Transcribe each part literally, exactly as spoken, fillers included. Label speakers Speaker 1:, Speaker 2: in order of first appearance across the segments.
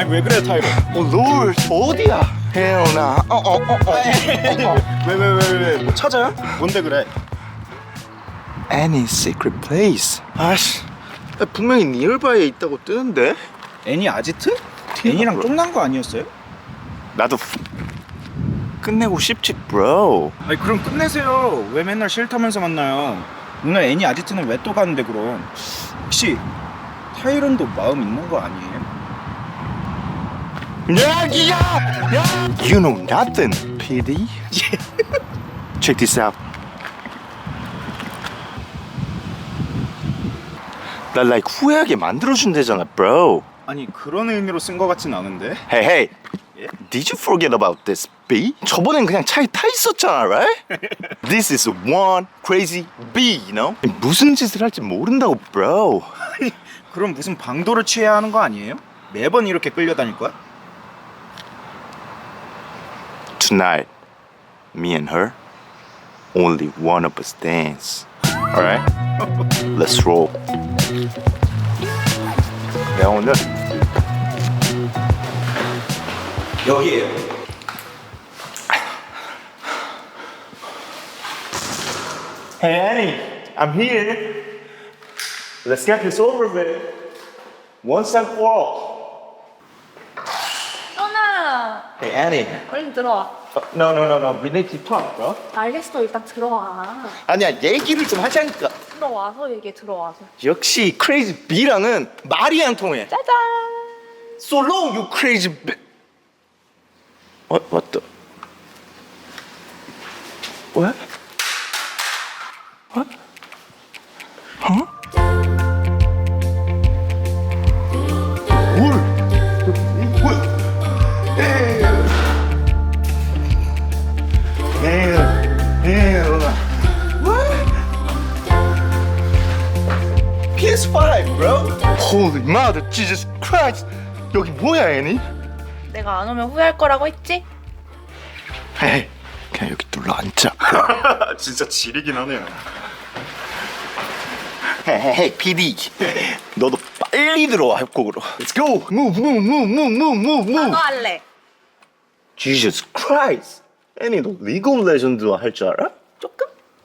Speaker 1: 아니 왜 그래 타이로?
Speaker 2: 어, 롤 어디야? 혜연아. 어, 어, 어, 어.
Speaker 1: 왜 왜 왜 왜 뭐 찾아요? 뭔데 그래?
Speaker 2: Any secret place. 아씨, 분명히 니얼바이에 있다고 뜨는데.
Speaker 1: 애니 아지트? 애니랑 쫑난 거 아니었어요?
Speaker 2: 나도 끝내고 싶지, bro.
Speaker 1: 아니 그럼 끝내세요. 왜 맨날 싫다면서 만나요? 오늘 애니 아지트는 왜 또 가는데 그럼? 혹시 타이런도 마음 있는 거 아니에요?
Speaker 2: 야기야! 야! You know nothing, 피디. Check this out. 날 like 후회하게 만들어준대잖아, bro.
Speaker 1: 아니 그런 의미로 쓴 거 같진 않은데.
Speaker 2: Hey, hey.
Speaker 1: 예?
Speaker 2: Did you forget about this, B? 저번엔 그냥 차에 타 있었잖아, right? This is one crazy B, you know? 무슨 짓을 할지 모른다고, bro.
Speaker 1: 그럼 무슨 방도를 취해야 하는 거 아니에요? 매번 이렇게 끌려다닐 거야?
Speaker 2: Tonight, me and her, only one of us dance. Alright? Let's roll. 내가 오늘
Speaker 1: 여기에요.
Speaker 2: Hey Annie, I'm here. Let's get this over with. Once and for all.
Speaker 3: 현아,
Speaker 2: Hey Annie.
Speaker 3: 얼른 들어와.
Speaker 2: Uh, no, no, no, no. We need to talk, bro.
Speaker 3: 알겠어, 일단 들어와.
Speaker 2: 아니야, 얘기를 좀 하자니까.
Speaker 3: 들어와서 얘기해, 들어와서.
Speaker 2: 역시 crazy B랑은 말이 안 통해.
Speaker 3: 짜잔!
Speaker 2: So long, you crazy B. What? What the? What? What? Huh? 뭘? 뭘? 에이. 에이. 에이. What? P S five, bro. Holy mother, Jesus Christ. 여기 뭐야, 애니?
Speaker 3: 내가 안 오면 후회할 거라고 했지?
Speaker 2: 헤이, 그냥 여기 눌러 앉자.
Speaker 1: 진짜 지리긴 하네요.
Speaker 2: 헤이, 피디. 너도 빨리 들어와, 협곡으로. Let's go. Move, move, move, move, move, move,
Speaker 3: 나도
Speaker 2: move.
Speaker 3: 할래.
Speaker 2: Jesus Christ. 애니, 너 리그 오브 레전드 할 줄 알아?
Speaker 3: 조금?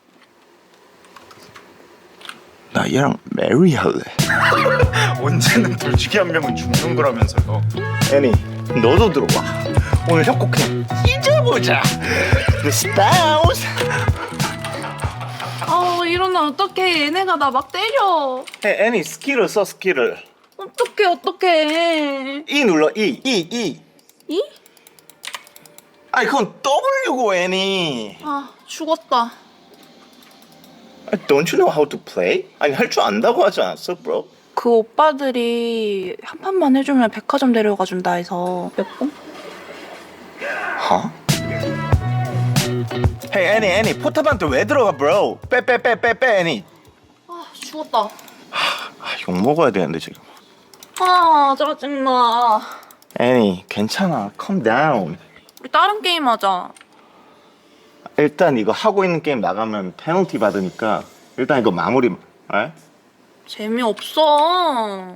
Speaker 2: 나 얘랑 메리 할래.
Speaker 1: 언제는 둘 중에 한 명은 죽는 거라면서요.
Speaker 2: 애니, 너도 들어와. 오늘 협곡 그냥 잊어보자. The stars.
Speaker 3: 아, 일어나 어떡해. 얘네가 나 막 때려.
Speaker 2: 헤이, 애니, 스킬을 써, 스킬을.
Speaker 3: 어떡해, 어떡해.
Speaker 2: E 눌러, E, E, E.
Speaker 3: 이?
Speaker 2: 아니, 그건 W고, 애니.
Speaker 3: 아, 죽었다.
Speaker 2: Don't you know how to play? 아니, 할 줄 안다고 하지 않았어, bro?
Speaker 3: 그 오빠들이 한 판만 해주면 백화점 데려가 준다 해서 몇 번?
Speaker 2: 하? Hey, 애니, 애니, 포탑한테 왜 들어가, bro? 빼, 빼, 빼, 빼, 빼, 애니.
Speaker 3: 아, 죽었다.
Speaker 2: 아, 욕 먹어야 되는데, 지금.
Speaker 3: 아, 짜증나.
Speaker 2: 애니, 괜찮아. Calm down.
Speaker 3: 우리 다른 게임 하자.
Speaker 2: 일단 이거 하고 있는 게임 나가면 페널티 받으니까 일단 이거 마무리. 에?
Speaker 3: 재미없어.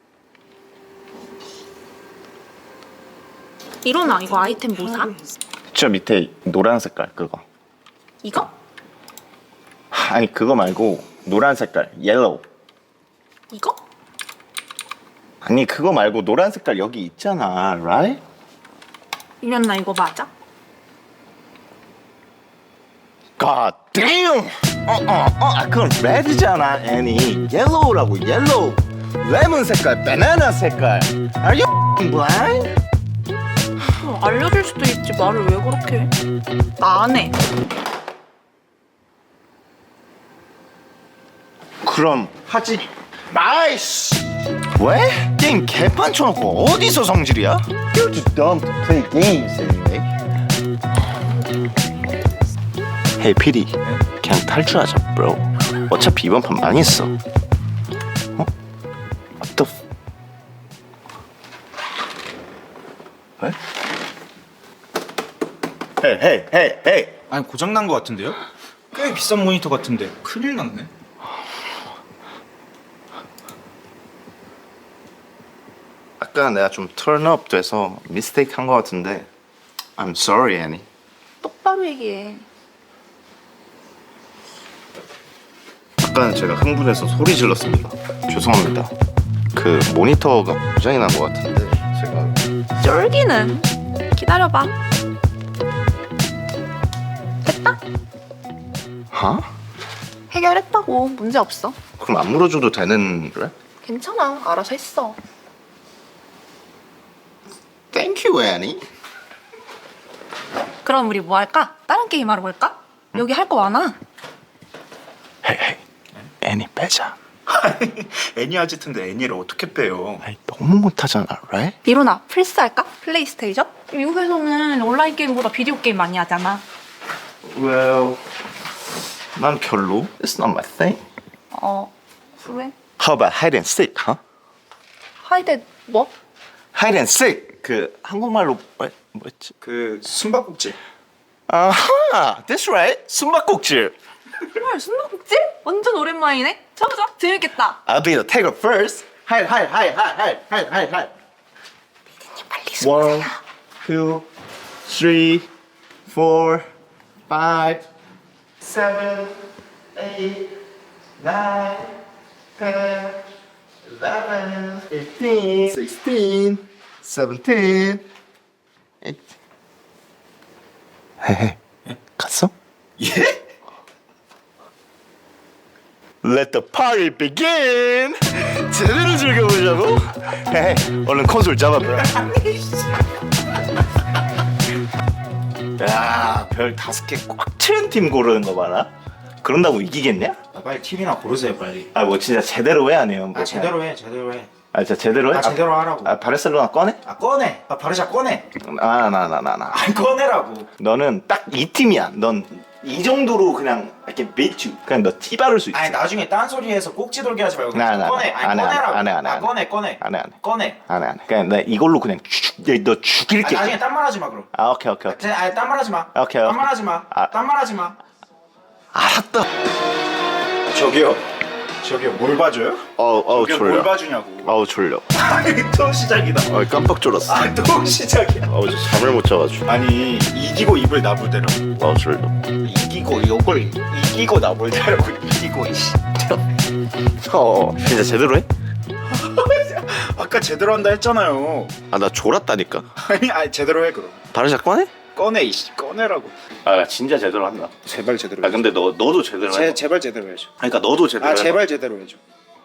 Speaker 3: 일어나, 이거 아이템 뭐 사?
Speaker 2: 저 밑에 노란 색깔 그거.
Speaker 3: 이거?
Speaker 2: 아니 그거 말고 노란 색깔 옐로우.
Speaker 3: 이거?
Speaker 2: 아니 그거 말고 노란 색깔 여기 있잖아, right?
Speaker 3: 일어나, 이거 맞아?
Speaker 2: God damn! 어, 어, 어, 아, 그건 레드잖아, 애니. 옐로우라고, 옐로우. 레몬 색깔, 바나나 색깔. Are you blind?
Speaker 3: 어, 알려줄 수도 있지, 말을 왜 그렇게 해? 나 안 해.
Speaker 2: 그럼 하지. 나이스! 왜? 게임 개판 쳐놓고 어디서 성질이야? You're too dumb to play games anyway. Hey, 피디. 그냥 탈출하자, bro. 어차피 이번 판 망했어. 어? What the f... 왜? Hey, hey, hey, hey.
Speaker 1: 아니 고장 난 거 같은데요? 꽤 비싼 모니터 같은데 큰일 났네.
Speaker 2: 약간 내가 좀 turn up 돼서 mistake 한 것 같은데 I'm sorry, 애니.
Speaker 3: 똑바로 얘기해.
Speaker 2: 아까는 제가 흥분해서 소리 질렀습니다. 죄송합니다. 그 모니터가 고장이 난 것 같은데 제가
Speaker 3: 쫄기는. 기다려봐. 됐다.
Speaker 2: 하?
Speaker 3: 해결했다고. 문제 없어.
Speaker 2: 그럼 안 물어줘도 되는 그래?
Speaker 3: 괜찮아. 알아서 했어.
Speaker 2: Thank you, 애니.
Speaker 3: 그럼 우리 뭐 할까? 다른 게임 하러 갈까? 여기 할 거 많아.
Speaker 2: 헤이 헤이 애니 빼자.
Speaker 1: 애니 아지트인데 애니를 어떻게 빼요?
Speaker 2: 아이, 너무 못하잖아, right?
Speaker 3: 이로나 플스 할까? 플레이스테이션? 미국에서는 온라인 게임보다 비디오 게임 많이 하잖아.
Speaker 2: Well, 난 별로. It's not my thing.
Speaker 3: 어, 그래?
Speaker 2: How about hide and seek, huh?
Speaker 3: 하이데 뭐?
Speaker 2: hide and seek. 그 한국말로 뭐, 뭐였지?
Speaker 1: 그 숨바꼭질.
Speaker 2: 아하, that's right. 숨바꼭질.
Speaker 3: 헐, 숨바꼭질? 완전 오랜만이네. 쳐보자. 재밌겠다.
Speaker 2: I'll be the taker first. hide, hide, hide, hide, hide, hide, hide, hide.
Speaker 3: 빨리
Speaker 2: One, two, three, four, five, seven, eight, nine, ten, eleven, fifteen, sixteen, seventeen, eighteen. 헤헤, 갔어?
Speaker 1: 예?
Speaker 2: Let the party begin. 제대로 즐겨보자고. 헤헤, 얼른 콘솔 잡아봐. 야, 별 다섯 개 꽉 채운 팀 고르는 거 봐라. 그런다고 이기겠냐?
Speaker 1: 아, 빨리 팀이나 고르세요 빨리.
Speaker 2: 아, 뭐 진짜 제대로 해 아니에요? 뭐
Speaker 1: 아 제대로 해 제대로 해.
Speaker 2: 아, 진짜 제대로 해?
Speaker 1: 아 제대로 하라고.
Speaker 2: 아, 바르셀로나 꺼내?
Speaker 1: 아 꺼내. 아 바르샤 꺼내.
Speaker 2: 아, 나, 나, 나, 나.
Speaker 1: 아 꺼내라고.
Speaker 2: 너는 딱 이 팀이야. 넌 이 정도로 그냥 이렇게 매주 그냥 너 티 바를 수 있어.
Speaker 1: 아니 나중에 딴소리해서 꼭지 돌게 하지 말고
Speaker 2: 나, 나,
Speaker 1: 꺼내.
Speaker 2: 나.
Speaker 1: 아니
Speaker 2: 안 해, 안 해,
Speaker 1: 꺼내라고.
Speaker 2: 안 해, 안 해,
Speaker 1: 아
Speaker 2: 안 해.
Speaker 1: 꺼내 꺼내.
Speaker 2: 안 해, 안 해.
Speaker 1: 꺼내.
Speaker 2: 안 해, 안 해. 그냥 나 이걸로 그냥 죽, 너
Speaker 1: 아니,
Speaker 2: 죽일게.
Speaker 1: 나중에 딴 말 하지 마 그럼.
Speaker 2: 아, 오케이, 오케이, 오케이.
Speaker 1: 아니 딴 말 하지 마.
Speaker 2: 오케이,
Speaker 1: 딴
Speaker 2: 오케이.
Speaker 1: 말 하지 마.
Speaker 2: 아.
Speaker 1: 딴 말 하지 마.
Speaker 2: 알았다.
Speaker 1: 저기요. 저기요 뭘 봐줘요?
Speaker 2: 어우, 어우,
Speaker 1: 저기요 뭘
Speaker 2: 졸려.
Speaker 1: 봐주냐고.
Speaker 2: 어우, 졸려.
Speaker 1: 아니 또 시작이다.
Speaker 2: 어우, 깜빡 졸았어.
Speaker 1: 아 또 시작이야.
Speaker 2: 어우, 저 잠을 못 자가지고.
Speaker 1: 아니 이기고 입을 나불대라고.
Speaker 2: 어우, 졸려.
Speaker 1: 이기고 이걸 이기고 나불대라고. 이기고 이씨.
Speaker 2: 어, 진짜 제대로 해?
Speaker 1: 아까 제대로 한다 했잖아요.
Speaker 2: 아, 나 졸았다니까.
Speaker 1: 아니 아니 제대로 해 그럼.
Speaker 2: 바르샤 꺼내?
Speaker 1: 꺼내 이씨 꺼내라고.
Speaker 2: 아, 나 진짜 제대로 한다.
Speaker 1: 제발 제대로.
Speaker 2: 아, 근데 너 너도 제대로
Speaker 1: 제
Speaker 2: 해.
Speaker 1: 제발 제대로 해줘.
Speaker 2: 그러니까 너도 제대로
Speaker 1: 아
Speaker 2: 해.
Speaker 1: 제발 제대로 해줘.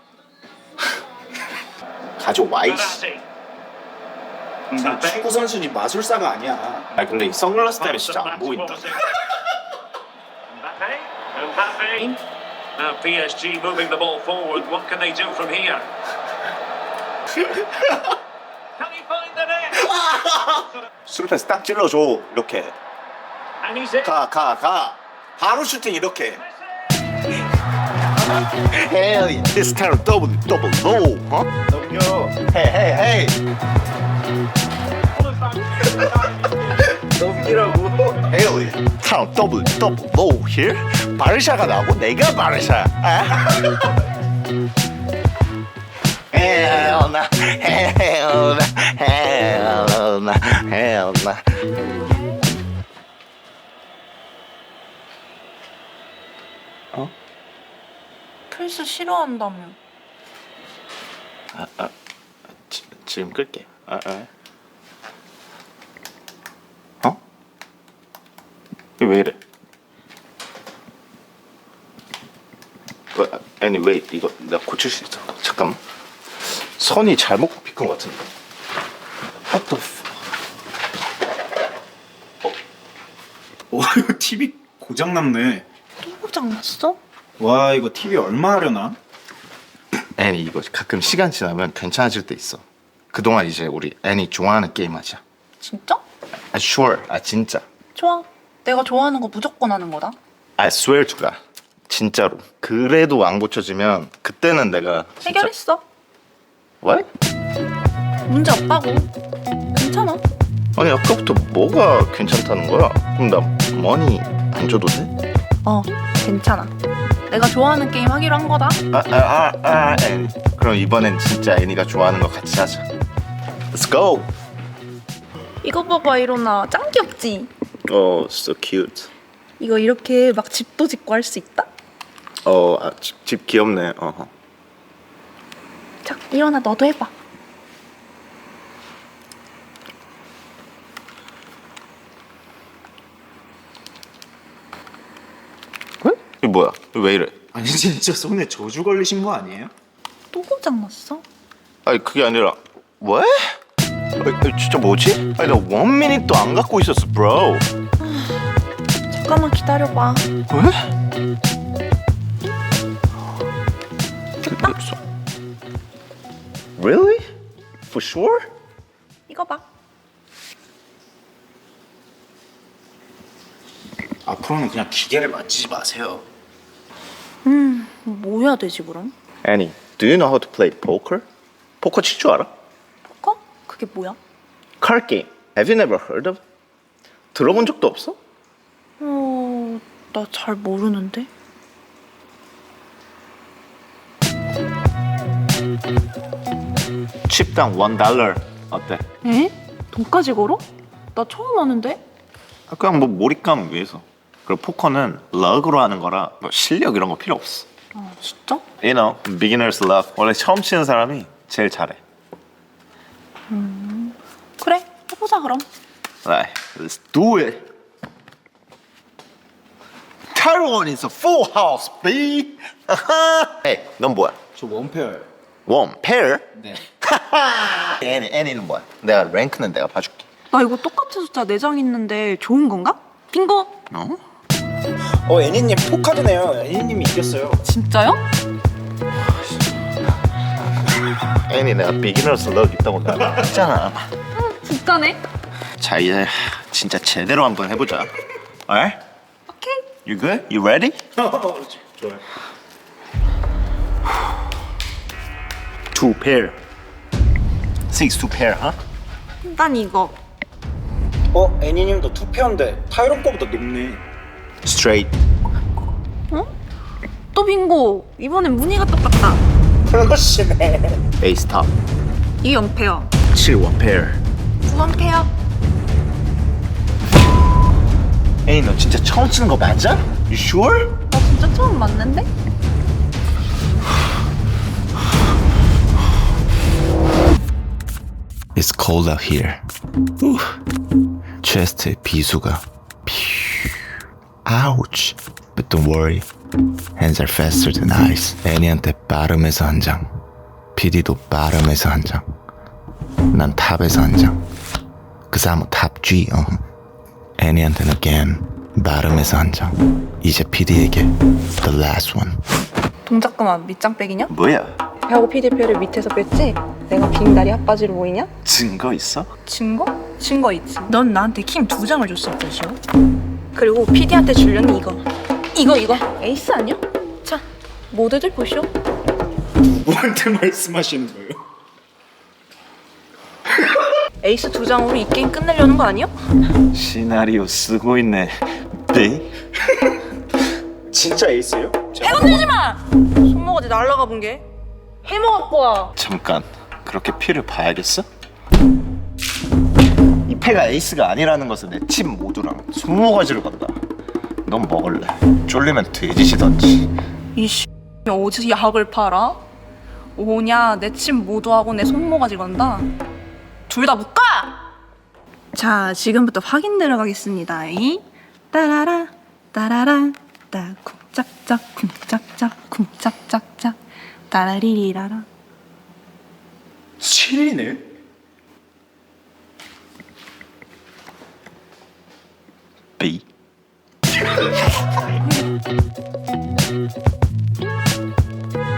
Speaker 2: 가져와 이씨.
Speaker 1: 나 축구 선수니 마술사가 아니야.
Speaker 2: 아, 근데 이 선글라스 때문에 진짜 안 보인다.
Speaker 4: Mbappe, Mbappe. Now P S G moving the ball forward. What can they do from here? Can he find the net?
Speaker 2: 수루패스 딱 찔러줘. 이렇게.
Speaker 4: And he's in.
Speaker 2: 가, 가, 가. 바로 슈팅 이렇게. Hell yeah. This kind of double, double low, huh?
Speaker 1: 넘겨.
Speaker 2: Hey, hey, hey.
Speaker 1: 넘기라고.
Speaker 2: Hell yeah. Kind of double, double low here. 바르샤가 나고 내가 바르샤야. 아? Hell nah, hell nah, hell nah, hell nah.
Speaker 3: 플스 싫어한다며.
Speaker 2: 아, 아, 지, 지금 끌게. 아, 아. 어? 이거 왜 이래? 어, 아니 왜 이거 내가 고칠 수 있어? 잠깐만. 선이 잘못 비끈 것 같은데. What the f-
Speaker 1: 와 이거 티비 고장 났네.
Speaker 3: 또 고장났어?
Speaker 1: 와 이거 티비 얼마 하려나?
Speaker 2: 애니 이거 가끔 시간 지나면 괜찮아질 때 있어. 그동안 이제 우리 애니 좋아하는 게임 하자.
Speaker 3: 진짜?
Speaker 2: 아 sure. 아 진짜.
Speaker 3: 좋아. 내가 좋아하는 거 무조건 하는 거다.
Speaker 2: I swear to God. 진짜로. 그래도 안 고쳐지면 그때는 내가 진짜.
Speaker 3: 해결했어.
Speaker 2: What?
Speaker 3: 문제 없다고. 괜찮아.
Speaker 2: 아니 아까부터 뭐가 괜찮다는 거야? 그럼 나 머니 안 줘도 돼?
Speaker 3: 어, 괜찮아. 내가 좋아하는 게임 하기로 한 거다.
Speaker 2: 아아아 아, 아, 애니. 그럼 이번엔 진짜 애니가 좋아하는 거 같이 하자. Let's go.
Speaker 3: 이거 봐봐 일어나. 짱 귀엽지?
Speaker 2: Oh, so cute.
Speaker 3: 이거 이렇게 막 집도 짓고 할 수 있다?
Speaker 2: 어, 아, 집, 집 귀엽네. 어허.
Speaker 3: 자 일어나 너도 해봐.
Speaker 2: 이거 뭐야? 이거 왜 이래?
Speaker 1: 아니 진짜 손에 저주 걸리신 거 아니에요?
Speaker 3: 또 고장났어?
Speaker 2: 아니 그게 아니라 왜? 아니, 아니, 진짜 뭐지? 아니 나 원 미닛도 안 갖고 있었어, bro.
Speaker 3: 잠깐만 기다려봐.
Speaker 2: 왜? Really? For sure?
Speaker 3: 이거 봐.
Speaker 1: 앞으로는 그냥 기계를 만지지 마세요.
Speaker 3: 음, 뭐 해야 되지 그럼?
Speaker 2: Annie, do you know how to play poker? 포커 칠 줄 알아?
Speaker 3: 포커? 그게 뭐야?
Speaker 2: Card game. Have you never heard of? 들어본 적도 없어?
Speaker 3: 어, 나 잘 모르는데.
Speaker 2: 칩당 원 달러 어때?
Speaker 3: 에? 돈까지 걸어? 나 처음 하는데?
Speaker 2: 아, 그냥 뭐 몰입감 위해서. 그리고 포커는 럭으로 하는 거라 뭐 실력 이런 거 필요 없어.
Speaker 3: 아, 진짜?
Speaker 2: You know, beginner's luck. 원래 처음 치는 사람이 제일 잘해.
Speaker 3: 그래, 해보자 그럼.
Speaker 2: Right, let's do it. Taiwan is a full house, B. hey, 넌 뭐야?
Speaker 1: 저 원페어요.
Speaker 2: 원, 페어?
Speaker 1: 네.
Speaker 2: 애니, 애니는 뭐야? 내가 랭크는 내가 봐줄게.
Speaker 3: 나 이거 똑같은 숫자 네 장 있는데 좋은 건가? 빙고!
Speaker 2: 어?
Speaker 1: 어 애니님 포카드네요. 애니님이 이겼어요.
Speaker 3: 진짜요?
Speaker 2: 애니 내가 beginner's luck 있다고 내가 했잖아.
Speaker 3: 진짜네?
Speaker 2: 자 이제 진짜 제대로 한번 해보자. Alright?
Speaker 3: 오케이.
Speaker 2: You good? You ready?
Speaker 1: 좋아요.
Speaker 2: Two pair. Six two pair, huh?
Speaker 3: 난 이거.
Speaker 1: 어 애니님도 투페어인데 타이론 거보다 높네.
Speaker 2: Straight.
Speaker 3: 어? 또 빙고. 이번엔 무늬가 똑같다.
Speaker 1: 그러시네.
Speaker 2: Ace top.
Speaker 3: 이게 영 페어.
Speaker 2: 칠 원 pair.
Speaker 3: 구 원 페어.
Speaker 2: 에이 너 진짜 처음 치는 거 맞아? You sure?
Speaker 3: 나 진짜 처음 맞는데?
Speaker 5: It's cold out here. 우. 체스트에 비수가. Ouch. But don't worry. Hands are faster than ice. 애니한테 빠름에서 한 장. 피디도 빠름에서 한 장. 난 탑에서 한 장. Cause I'm a top G. 어. 애니한테는 again. 빠름에서 한 장. 이제 피디에게 the last one.
Speaker 3: 동작 그만. 밑장 빼기냐?
Speaker 2: 뭐야?
Speaker 3: 배하고 피디표를 밑에서 뺐지? 내가 빙다리 핫바지로 보이냐?
Speaker 2: 증거 있어?
Speaker 3: 증거? 증거 있지. 넌 나한테 킹 두 장을 줬을 것이오. 그리고 피디한테 주려는 이거. 이거 이거. 에이스 아니야? 자, 모두들 보시오.
Speaker 1: 누구한테 말씀하시는 거예요?
Speaker 3: 에이스 두 장으로 이 게임 끝내려는 거 아니야?
Speaker 2: 시나리오 쓰고 있네. B?
Speaker 1: 진짜 에이스예요?
Speaker 3: 해건들지 마! 손모가지 날라가 본 게. 해먹을 거야.
Speaker 2: 잠깐 그렇게 피를 봐야겠어? 이 패가 에이스가 아니라는 것은 내 팀 모두랑 손모가지를 건다. 넌 먹을래. 쫄리면 돼지시던지.
Speaker 3: 이씨 어디서 약을 팔아? 오냐 내 침 모두하고 내 손모가지 건다. 둘 다 못 가! 자 지금부터 확인 들어가겠습니다. 이 따라라 따라라 따 쿵짝짝 쿵짝짝 쿵짝짝짝 따라리리라라.
Speaker 1: 칠이네.
Speaker 2: B